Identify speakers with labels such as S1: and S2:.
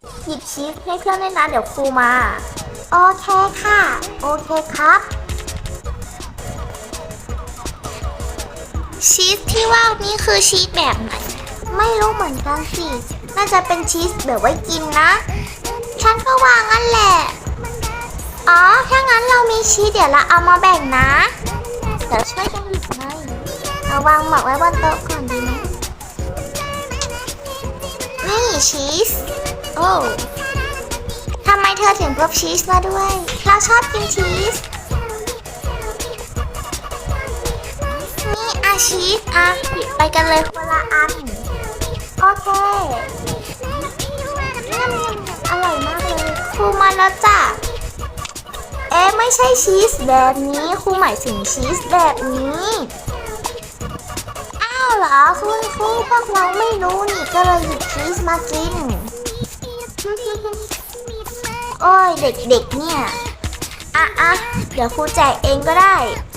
S1: หยิบชีสให้เพื่อนด้วยนะเดี๋ยวครูมาโอเคค่ะโอเคครับชีสที่ว่านี่คือชีสแบบไหนไม่รู้เหมือนกันสิน่าจะเป็นชีสแบบไว้กินนะฉันก็ว่างั้นแหละอ๋อถ้างั้นเรามีชีสเดี๋ยวเราเอามาแบ่งนะเดี๋ยวช่วยกันหยิบหน่อยเอาวางหมอกไว้บนโต๊ะก่อนดีไหมนี่ชีสโอ้ทำไมเธอถึงพกชีสมาด้วยเราชอบกินชีสนี่ชีสหยิบไปกันเลยคนละอันโอเคอร่อยมากเลยครูมาแล้วจ้ะไม่ใช่ชีสแบบนี้ครูหมายถึงชีสแบบนี้อ้าวเหรอคุณครูพวกเราไม่รู้นี่ก็เลยหยิบชีสมากินโอ้ยเด็กๆเนี่ยเดี๋ยวครูแจกเองก็ได้